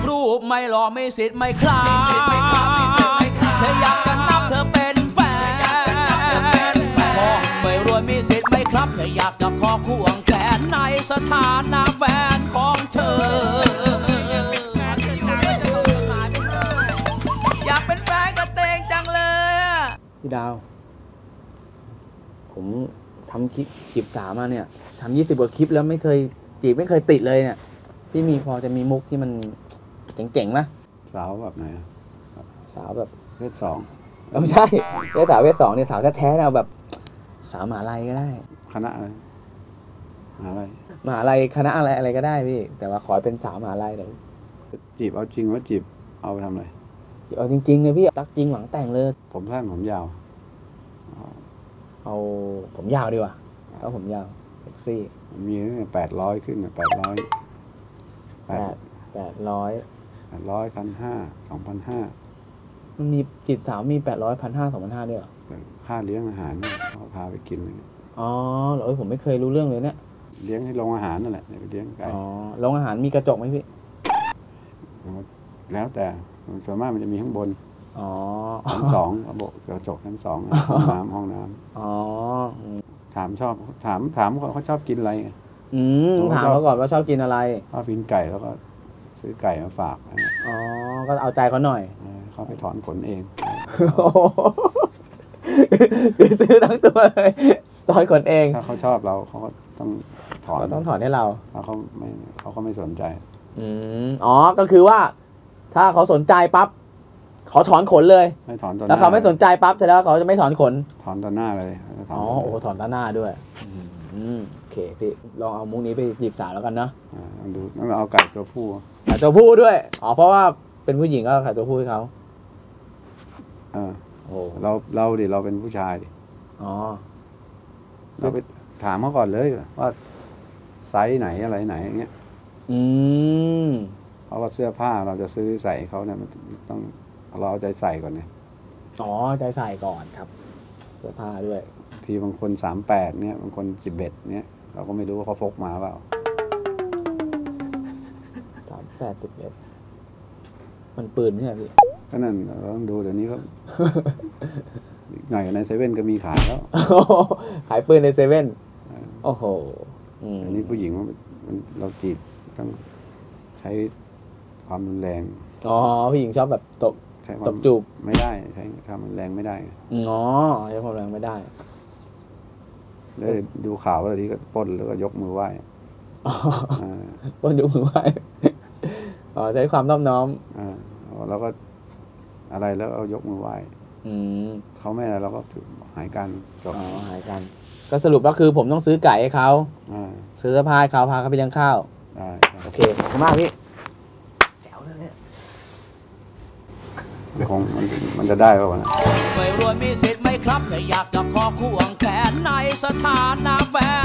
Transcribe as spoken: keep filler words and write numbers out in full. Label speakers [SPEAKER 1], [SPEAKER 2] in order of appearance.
[SPEAKER 1] รูปไม่หล่อไม่สิทธิ์ไม่คลาเธออยากจะนับเธอเป็นแฟนพ่อไม่รวยมีสิทธิ์ไม่ครับเธออยากจะขอควงแขนในสถานะแฟนของเธออยากเป็นแฟนกับเตงจังเลยพี่ดาวผมทำคลิปจีบสาวมาเนี่ยทำยี่สิบกว่าคลิปแล้วไม่เคยจีบไม่เคยติดเลยเนี่ยพี่มีพอจะมีมุกที่มันเจ๋งๆไหม
[SPEAKER 2] สาวแบบไหน
[SPEAKER 1] สาวแบบ
[SPEAKER 2] เพศสอง
[SPEAKER 1] ไม่ใช่เพศสาวเพศสองเนี่ยสาวแท้ๆเราแบบสาวมหาลัยก็ได้
[SPEAKER 2] คณะอะไรมหาลัย
[SPEAKER 1] มหาลัยคณะอะไรอะไรก็ได้พี่แต่ว่าขอเป็นสาวมหาลัยเดี๋ยว
[SPEAKER 2] จีบเอาจริงว่าจีบเอาไปทำอะไร
[SPEAKER 1] จีบเอาจริงๆเลยพี่รักจริงหวังแต่งเลย
[SPEAKER 2] ผมสั้นผมยาว
[SPEAKER 1] เอาผมยาวดีกว่าเอาผมยาวเซ็กซี่
[SPEAKER 2] มีแปดร้อยขึ้นแปดร้อย
[SPEAKER 1] แปดแปดร้อย
[SPEAKER 2] แปดร้อยพันห้าสองพันห้า
[SPEAKER 1] มันมีจีบสาวมีแปดร้อยพันห้าสองพันห้าด้วยเหรอ
[SPEAKER 2] ค่าเลี้ยงอาหารเขาพาไปกินเลย
[SPEAKER 1] อ๋อเหรอผมไม่เคยรู้เรื่องเลยเนี่ย
[SPEAKER 2] เลี้ยงให้โรงอาหารนั่นแหละไปเลี้ยงไก่
[SPEAKER 1] อ๋อโรงอาหารมีกระจกไหมพี่
[SPEAKER 2] แล้วแต่ส่วนมากมันจะมีข้างบน
[SPEAKER 1] อ๋อ
[SPEAKER 2] ชั้นสองระบบกระจกชั้นสองห้องน้ำห้องน้ำ
[SPEAKER 1] อ๋อ
[SPEAKER 2] ถามชอบถามถามเขาชอบกินอะไร
[SPEAKER 1] อืมถามเขาก่อนว่าชอบกินอะไร
[SPEAKER 2] ชอบกินไก่แล้วก็ซื้อไก่มาฝาก
[SPEAKER 1] อ๋อก็เอาใจเขาหน่อย
[SPEAKER 2] เขาไปถอนขนเอง
[SPEAKER 1] คือซื้อทั้งตัวเลยถอนขนเอง
[SPEAKER 2] ถ้าเขาชอบเราเขาก็ต้องถอน
[SPEAKER 1] ต้องถอนให้เรา
[SPEAKER 2] ถ้าเขาไม่เขาก็ไม่สนใจ
[SPEAKER 1] อืมอ๋อก็คือว่าถ้าเขาสนใจปั๊บเขาถอนขนเลย
[SPEAKER 2] ไม่ถอนตอนหน้า
[SPEAKER 1] แล้วเขาไม่สนใจปั๊บเสร็จแล้วเขาจะไม่ถอนขน
[SPEAKER 2] ถอนตอนหน้าเลย
[SPEAKER 1] อ๋อโอ้ถอนตอนหน้าด้วยอืมโอเคพี่ลองเอามุกนี้ไปจีบสาวแล้วกันนะ
[SPEAKER 2] อ่าดูต้องเอาไก่ตัวผู้
[SPEAKER 1] ไก่ตัวผู้ด้วยอ๋อเพราะว่าเป็นผู้หญิงก็ไก่ตัวผู้ให้เขา
[SPEAKER 2] อ่าโอ้เราเราดิเราเป็นผู้ชายดิ
[SPEAKER 1] อ๋อ
[SPEAKER 2] เราไปถามเขาก่อนเลยว่าไซส์ไหนอะไรไหนอย่างเงี้ย
[SPEAKER 1] อืม
[SPEAKER 2] เพราะว่าเสื้อผ้าเราจะซื้อใส่เขาเนี่ยมันต้องเราเอาใจใส่ก่อนเนี่ย
[SPEAKER 1] อ๋อใจใส่ก่อนครับเสื้อผ้าด้วย
[SPEAKER 2] ทีบางคนสามแปดเนี่ยบางคนสิบเอ็ดเนี่ยเราก็ไม่รู้ว่าเขาพกมาเปล่า
[SPEAKER 1] สามแปดสิบเอ็ดมันปืนไม่ใช่พี่
[SPEAKER 2] ก็นั่นเราต้องดูเดี๋ยวนี้ก็หน่อยในเซเว่นก็มีขายแล้ว
[SPEAKER 1] ขายปืนในเซเว่นโอ้โห
[SPEAKER 2] อันนี้ผู้หญิงมันเราจีบต้องใช้ความรุนแรง
[SPEAKER 1] อ๋อผู้หญิงชอบแบบตบตบจูบ
[SPEAKER 2] ไม่ได้ใช้ความรุนแรงไม่ได้
[SPEAKER 1] อ๋อใช้ความรุนแรงไม่ได้
[SPEAKER 2] แล้วดูข่าวอะไรที่ก็ปล้นแล้วก็ยกมือไหว้
[SPEAKER 1] ปล้นยกมือไหว้อ๋อใช้ความน้อมน้อม
[SPEAKER 2] อ่าแล้วก็อะไรแล้วเอายกมือไหว้เขาไม่อะไรเราก็หายกัน
[SPEAKER 1] จบอ๋อหายกันก็สรุปก็คือผมต้องซื้อไก่ให้เขาซื้อเสื้อผ้าให้เขาพาเขาไปเลี้ยงข้าวโอเคขอบคุณมากพี่แจ๋วเลยเนี่ย
[SPEAKER 2] คงมันมันจะได้ป่าวนะ
[SPEAKER 1] ไม่รวยมีสิทธิ์ไหมครับแต่อยากจะขอควงแขนในสถานะแฟน